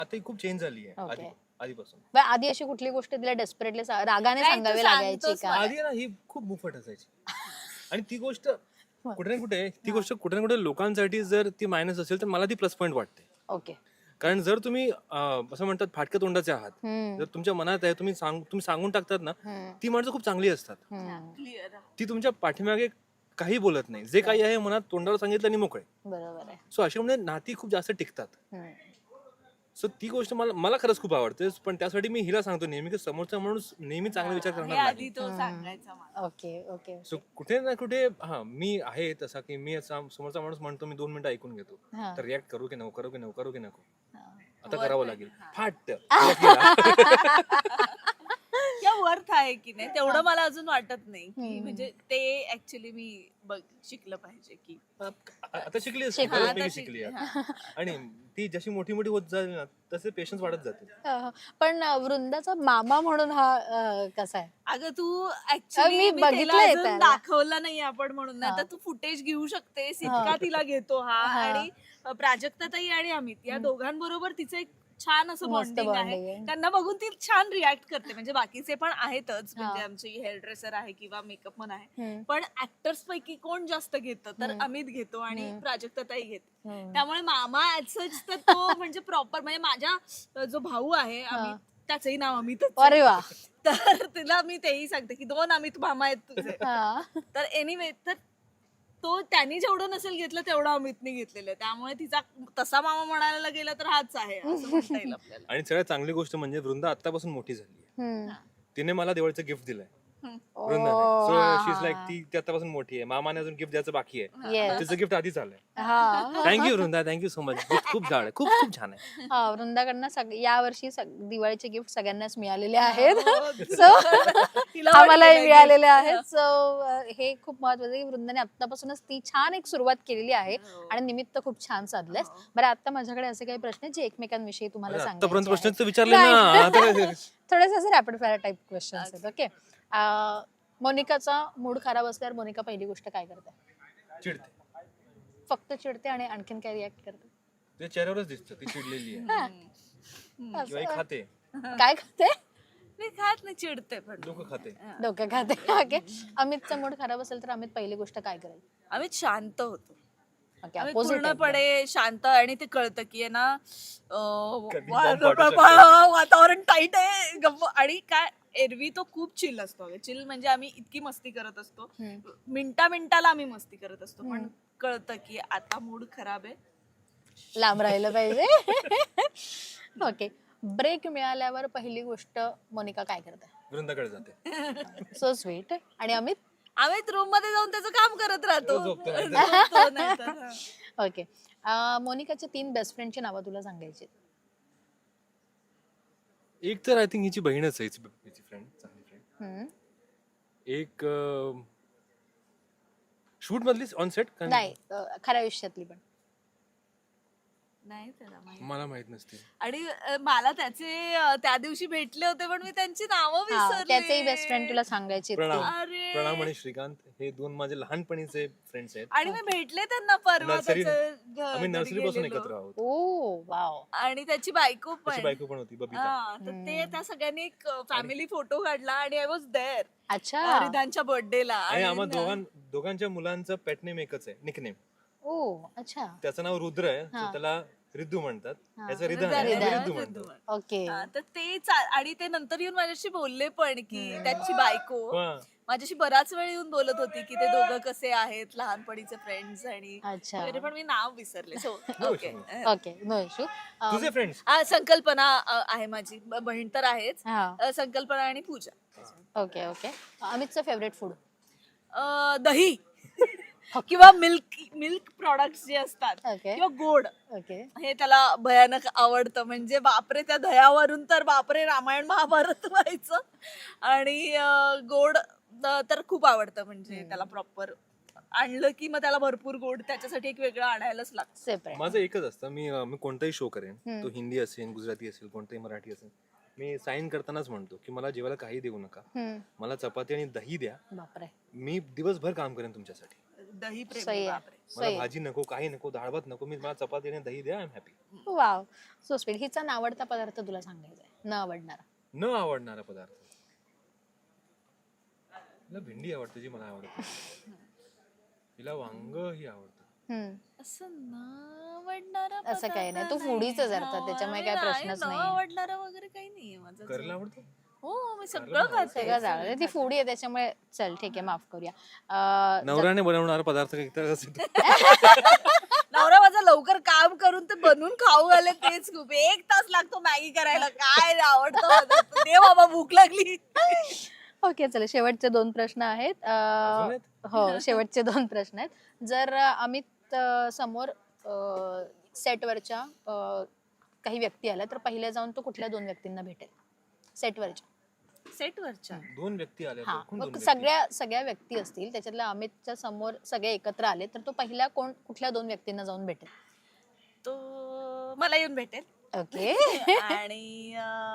आता ही खूप चेंज झाली आहे Okay. आधीपासून. बरं, आधी अशी कुठली गोष्ट तिला डेस्परेटली रागाने नाही, तू सांगावी लागायची सांगतोस का? आधी ना ही खूप मुफट असायची आणि ती गोष्ट कुठे ना कुठे लोकांसाठी जर ती मायनस असेल तर मला ती प्लस पॉईंट वाटते. ओके. कारण जर तुम्ही असं म्हणतात फाटक्या तोंडाचे आहात, जर तुमच्या मनात आहे तुम्ही सांगून टाकतात ना, ती माणसं खूप चांगली असतात. क्लिअर. ती तुमच्या पाठीमागे काही बोलत नाही, जे काही आहे मनात तोंडावर सांगितलं आणि मोकळे. बरोबर आहे. सो अशामुळे नाती खूप जास्त टिकतात. हम्म. सो ती गोष्ट मला खरंच खूप आवडते. पण त्यासाठी मी हिला सांगतो नेहमी की समोरचा माणूस नेहमी चांगला विचार हे करणार आधी नाही. तो सांगायचा मला. Okay okay. सो कुठे ना कुठे मी आहे तसा की मी समोरचा माणूस म्हणतो मी 2 मिनिटं ऐकून घेतो, हा. तर रिॲक्ट करू की नको, करू की नको, करू की नको, हा. आता करावं लागेल, फाट या वर्थ आहे की नाही तेवढं मला अजून वाटत नाही की म्हणजे ते ऍक्च्युली मी शिकलं पाहिजे की आता शिकली असते, शिकली. बऱ्यापैकी शिकली आता. आणि ती जशी मोठी मोठी होत जाईल ना तसे पेशन्स वाढत जाते. पण वृंदाचा मामा म्हणून हा कसा आहे? अगं तू मी ऍक्च्युली बघितलंय त्याला. दाखवला नाही आपण म्हणून नाही तर तू फुटेज घेऊ शकतेस इतका तिला घेतो हा. आणि प्राजक्ताताई आणि अमित या दोघांबरोबर तिचं एक छान असं मस्त बॉन्डिंग bonding आहे. आहे. त्यांना बघून ती छान रिॲक्ट करते म्हणजे बाकीचे पण आहेतच म्हणजे आमची हेअर ड्रेसर आहे किंवा मेकअप पण आहे पण ऍक्टर्स पैकी कोण जास्त घेतं तर अमित घेतो आणि प्राजक्ताताई घेते. त्यामुळे मामा ऍज तर तो म्हणजे प्रॉपर म्हणजे माझा जो भाऊ आहे अमित त्याचंही नाव अमितच आहे. अरे वा. तर तिला मी तेही सांगते की 2 अमित मामा आहेत तुझे. हा. तर एनिवे तर तो त्यांनी जेवढं नसेल घेतलं तेवढं अमितने घेतलेलं त्यामुळे तिचा तसा मामा म्हणायला गेला तर हाच आहे असं म्हणता येईल आपल्याला. आणि सगळ्यात चांगली गोष्ट म्हणजे वृंदा आतापासून मोठी झाली आहे. हम्म. तिने मला दिवाळीचं गिफ्ट दिलंय. Oh, वृंदाने. सो शी इज लाईक ती आतापासून मोठी आहे. मामाने अजून गिफ्ट द्यायचं बाकी आहे. Yes. तिचं गिफ्ट आधीच आलंय. हा. Thank you Vrinda, thank you so much. खूप झाड आहे, खूप खूप छान आहे. हा, वृंदाकडनं यावर्षी दिवाळीचे गिफ्ट सगळ्यांनाच मिळालेले आहेत. सो तिला आम्हालाही वाटलेलं मिळालेले आहेत. सो हे खूप महत्वाचं आहे की वृंदाने आतापासूनच ती छान एक सुरुवात केलेली आहे आणि निमित्त खूप छान साधलंय. बरं, आता माझ्याकडे असे काही प्रश्न आहेत जे एकमेकांविषयी तुम्हाला आतापर्यंत सांगायचे प्रश्न आहेत. विचारले ना आता काय? थोडेसे असे रॅपिड फायर टाइप क्वेश्चन्स आहेत. ओके. मोनिकाचा मूड खराब असल्यावर मोनिका पहिली गोष्ट काय करते? चिडते. फक्त चिडते आणि आणखीन काय रिॲक्ट करते? ते चेहऱ्यावरच दिसतं ती चिडलेली आहे किंवा ही खाते, काय करते? मी खात नाही चिडते पण डोकं खाते. डोकं खाते. ओके. अमितचा मूड खराब असेल तर अमित पहिली गोष्ट काय करेल? आम्ही शांत होतो. ओके, आम्ही opposite आहे. पूर्णपणे शांत आणि ते कळतं की आहे ना कधी bomb फाटू शकतो. वातावरण टाईट आहे गप्प आणि काय एरवी तो खूप चिल असतो. चिल म्हणजे आम्ही इतकी मस्ती करत असतो मिनिटाला आम्ही मस्ती करत असतो पण कळतं की आता मूड खराब आहे. लांब राहिलं पाहिजे. ओके. ब्रेक मिळाल्यावर पहिली गोष्ट मोनिका काय करते? वृंदाकडे जाते. So sweet. आणि अमित? आम्ही रूम मध्ये जाऊन त्याचं काम करत राहतो. झोपतो नाहीतर. झोपतो नाहीतर, हा. ओके. मोनिकाच्या 3 बेस्ट फ्रेंडची नावं तुला सांगायची. एक तर आय थिंक हिची बहीणच आहे, हिची फ्रेंड, चांगली फ्रेंड. हम्म. एक शूट मधली ऑन सेट नाही, खऱ्या आयुष्यातली पण. नाही त्याला माहिती. मला माहित नसते. आणि मला त्याचे त्या दिवशी भेटले होते पण मी त्यांची नावं विसरले. त्याचेही बेस्ट फ्रेंड तुला सांगायचे. प्रणाम. अरे. प्रणाम आणि श्रीकांत हे 2 माझे लहानपणीचे फ्रेंड्स आहेत. आणि मी भेटले त्यांना परवा नर्सरी त्याचं आम्ही घरी नर्सरी पासून गेलेलो. एकत्र आहोत. Oh wow. आणि त्याची बायको त्याची पण बायको पण होती बबिता. हा, तर ते त्या सगळ्यांनी एक फॅमिली फोटो काढला आणि आय वॉज देअर अच्छा. रिधानच्या बर्थडेला. आणि आम्हा दोघांच्या मुलांचं पेटनेम एकच आहे, निकनेम. ओ अच्छा. त्याचं नाव रुद्र आहे, so त्याला रिद्धू म्हणतात. याचं रिधान आहे, आम्ही रिद्धू म्हणतो. ओके. तर ते आणि ते नंतर येऊन माझ्याशी बोलले पण की त्याची बायको हा. माझ्याशी बराच वेळ येऊन बोलत होती की ते दोघं कसे आहेत लहानपणीचे फ्रेंड्स आणि अच्छा. तरी पण मी नाव विसरले. So okay. Okay, no issue. तुझे फ्रेंड्स? संकल्पना आहे माझी बहीण तर आहेच. हा. संकल्पना आणि पूजा. Okay okay. अमितचं फेवरेट फूड? दही किंवा मिल्क प्रॉडक्ट्स जे असतात ओके. किंवा गोड ओके. हे त्याला भयानक आवडतं. म्हणजे बापरे त्या दह्यावरून तर बापरे रामायण महाभारत व्हायचं. आणि गोड तर खूप आवडतं म्हणजे त्याला प्रॉपर आणलं की मग त्याला भरपूर गोड त्याच्यासाठी एक वेगळं आणायलाच लागतं. सेपरेट. माझं एकच असतं, मी कोणताही शो करेन, तो हिंदी असेल, गुजराती असेल, कोणताही मराठी असेल, मी साईन करतानाच म्हणतो की मला जेवायला काही देऊ नका, मला चपाती आणि दही द्या, बापरे. मी दिवसभर काम करेन तुमच्यासाठी. दही प्रेमी सही आहे. बापरे. मला भाजी नको, काही नको, डाळ भात नको, मी मला चपाती आणि दही द्या, I am happy. Wow, so sweet. हिचा नावडता पदार्थ तुला सांगायचा आहे, न आवडणारा. न आवडणारा पदार्थ, तिला भेंडी आवडते जी मला आवडते, तिला वांग ही आवडतं. असं न आवडणारा असं काही नाही, तू पदार्थ फुडीच नाही. जरता, हो, त्याच्यामुळे आणि काही नाही, प्रश्नच न नाही. आवडणारा वगैरे काही नाहीये माझं. करेला आवडतं. हो मी सगळं खाते. सगळं जाळलं, ती फुडी आहे त्याच्यामुळे चल ठीक आहे, माफ करूया. नवऱ्याने बनवणारा पदार्थ काही असेल तर. नवरा माझा लवकर काम करून ते बनवून खाऊ घाले, तेच खूप. 1 तास लागतो मॅगी करायला. काय आवडतं पदार्थ? दे बाबा, भूक लागली. ओके, चला शेवटचे 2 प्रश्न आहेत. अजून आहेत? हो, शेवटचे 2 प्रश्न आहेत. जर अमित समोर सेटवरच्या काही व्यक्ती आल्या तर पहिल्या जाऊन तो कुठल्या 2 व्यक्तींना भेटेल सेटवरच्या? सेटवरच्या 2 व्यक्ती आल्या, हा, कोण मग 2 व्यक्ती? सगळ्या व्यक्ती असतील, त्याच्यातल्या अमितच्या समोर सगळे एकत्र आले तर तो पहिल्या कुठल्या 2 व्यक्तींना जाऊन भेटेल? तो मला येऊन भेटेल. ओके. आणि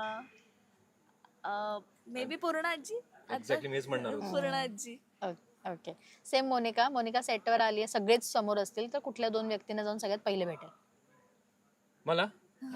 मे बी पूर्ण आजी. Exactly, मीच म्हणणार होतो. पूर्ण आजी. ओके, सेम मोनिका सेटवर आली आहे, सगळेच समोर असतील तर कुठल्या 2 व्यक्तींना जाऊन सगळ्यात पहिले भेटेल? मला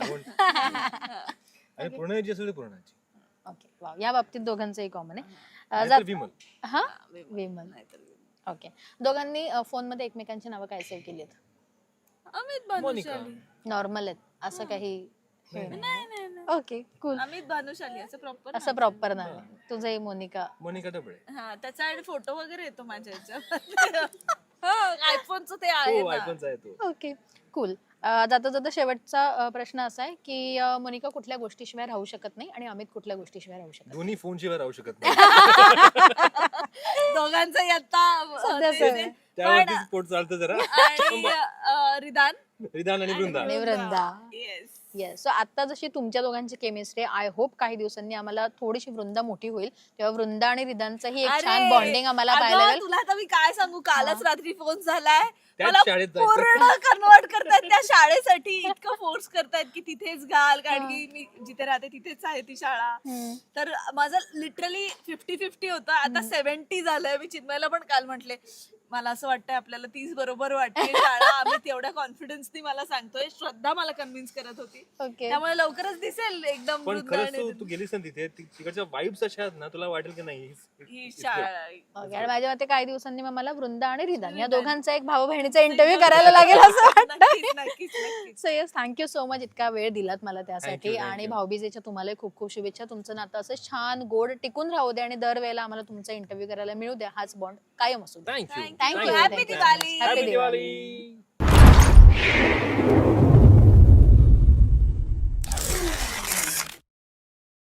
आणि पूर्णाजी असेल तर पूर्णाजी. ओके, वाव, या बाबतीत दोघांचंही कॉमन आहे. नाहीतर विमल. हा, विमल. ओके, दोघांनी फोन मध्ये एकमेकांची नावं काय सेव्ह केली आहेत? अमित मोनिका. भानुशाली. नॉर्मल आहेत, असं काही हे नाही. नाही नाही नाही. Okay, cool. अमित भानुशाली असं प्रॉपर. असं प्रॉपर नाव आहे तुझंही? मोनिका. मोनिका डबळे. हा, त्याचा आणि फोटो वगैरे येतो माझ्या ह्याच्यात. आयफोनचं ते आहे हो, ना. आयफोनचा आहे तो. Okay, cool. जाता जाता शेवटचा प्रश्न असा आहे की मोनिका कुठल्या गोष्टीशिवाय राहू शकत नाही आणि अमित कुठल्या गोष्टीशिवाय राहू शकत दोन्ही फोन शिवाय राहू शकत नाही. दोघांचंही आता सध्या तेच आहे. सगळं. त्यावरतीच पोट चालतं जरा. आणि रिदान. रिदान आणि वृंदा. आणि वृंदा. येस. येस, सो आता जशी तुमच्या दोघांची केमिस्ट्री, आय होप काही दिवसांनी आम्हाला थोडीशी वृंदा मोठी होईल तेव्हा वृंदा आणि रिदानचंही एक छान बॉन्डिंग आम्हाला अगं, पाहायला मिळेल. तुला आता मी काय सांगू, कालच रात्री फोन झालाय. त्याच मला शाळेत जायचं. पूर्ण कन्वर्ट करतायत त्या शाळेसाठी. इतकं फोर्स करतायत की तिथेच घाल, कारण की मी जिथे राहते तिथेच आहे ती शाळा. तर माझं लिटरली 50-50 होतं. आता 70 झालंय. मी चिन्मयला पण काल म्हटले, मला असं वाटतंय आपल्याला 30 बरोबर वाटते शाळा. आम्ही तेवढ्या कॉन्फिडन्सनी मला सांगतोय. श्रद्धा मला कन्व्हिन्स करत होती. ओके, त्यामुळे लवकरच दिसेल एकदम पण वृंदा खरंच आणि तू गेलीस ना तिथे, तिकडच्या वाईब्स अशा आहेत ना, तुला वाटेल की नाही ही शाळा. ओके. आणि माझ्या मते काही दिवसांनी मग मला वृंदा आणि रिदान या दोघांचा एक भाऊ बहिणीचा इंटरव्ह्यू करायला लागेल असं वाटतं. नक्कीच नक्कीच नक्कीच. So yes, thank you so much इतका वेळ दिलात मला त्यासाठी. Thank you. आणि भाऊबीजेच्या तुम्हाला खूप खूप शुभेच्छा. तुमचं नातं असं छान गोड टिकून राहू दे आणि दरवेळेला आम्हाला तुमचा इंटरव्ह्यू करायला मिळू द्या. हाच बॉन्ड कायम असू दे. Thank you. Thank you. Happy Diwali. Happy Diwali.